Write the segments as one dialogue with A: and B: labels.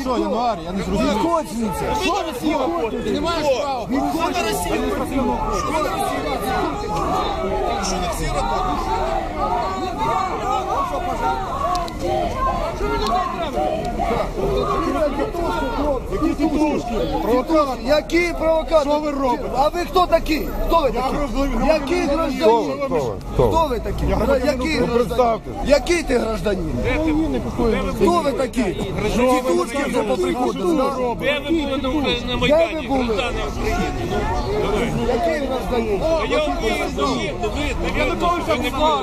A: що, Януар? Я не зрозумів.
B: Відходь звідси.
A: Що ви сіли? Ти не маєш права. Що на Росію? Що на Росію? Що на всі роботи? Що ви людей
B: Які тітушки? Провокатор. Які провокатор?
A: Що ви робите?
B: А ви хто такі? Хто ви такі? Який гражданин? Хто ви такі? Який гражданин? Який ти гражданин? Хто ви такі? Тітушки вже поприходили.
C: Де ви були на
B: Де
C: Майдані?
B: ви були? Який гражданин?
C: Януковича не було,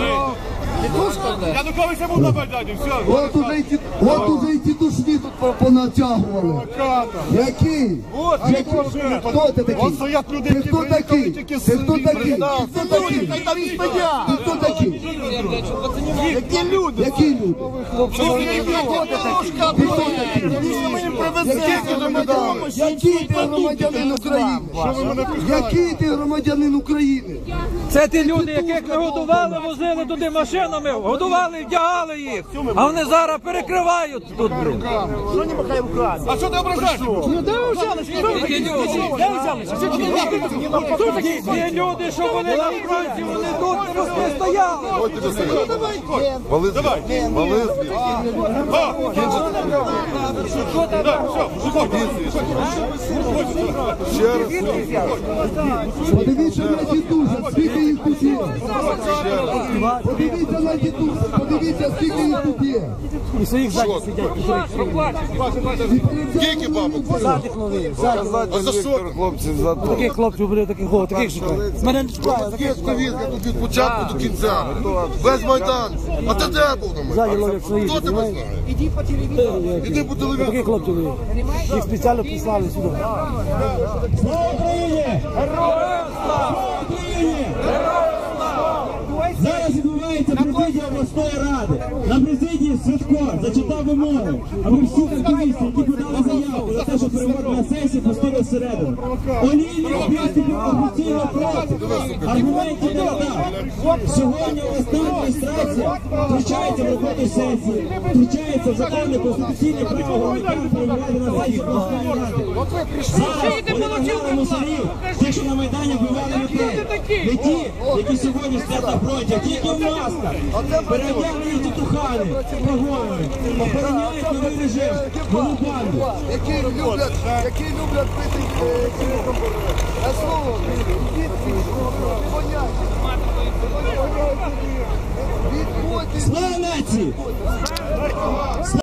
C: Януковича був на Майдані, все.
B: От уже і тітушки тут понатягували. Які? Хто ти такий? Ти хто такий? Ти хто такий? Ти хто такий? Ти хто такий? Які люди? Які люди? Хто ти такий? Ти хто такий? Який ти громадянин України? Який ти громадянин України?
D: Це ті люди, яких ми годували, возили туди машинами, годували, вдягали їх. А вони зараз перекривають тут, блин.
A: Що не махай руками? А що ти ображаєш?
D: Ну де ви взялися? Де ви взялися? Ті люди, що вони на фронті, вони тут не стояли.
E: Вали звідси. Вали
B: Подивіться на дідуся, скільки їх тут є. Подивіться на дідуся, подивіться, скільки їх тут є.
D: І своїх ззаді сидять.
E: Скільки бабок?
D: Ззаді хлопці.
E: А за що? Хлопці, за то.
D: Таких хлопців буде, таких шукають. Мене не чекає.
E: Такі повістки тут від початку до кінця. Весь Майдан. А ти де був на
D: Ззаді
E: Майдані?
D: ловлять своїх,
E: Хто тебе знає? Іди по телевізору.
D: Таких хлопців є. Їх спеціально прислали сюди.
F: Слава Україні! Героям слава! Україні! Зараз відбувається президія обласної ради. На президії Святко зачитав вимоги, аби всі активісти, які подали заявку за те, що переводна сесія, пустили всередину. Олійник виступив офіційно проти. Аргументів не надав. Сьогодні обласна адміністрація втручається в роботу сесії, втручається в законне конституційне право громадян перебувати на сесії обласної ради. Зараз вони нагнали мусорів, ті, що на Майдані вбивали людей. Не ті, які сьогодні стоять на фронті, а ті, які в масках. Переодягнені тітухани, погонами, охороняють новий режим, нову банду.
B: Які люблять пити на слово.
F: Слава нації!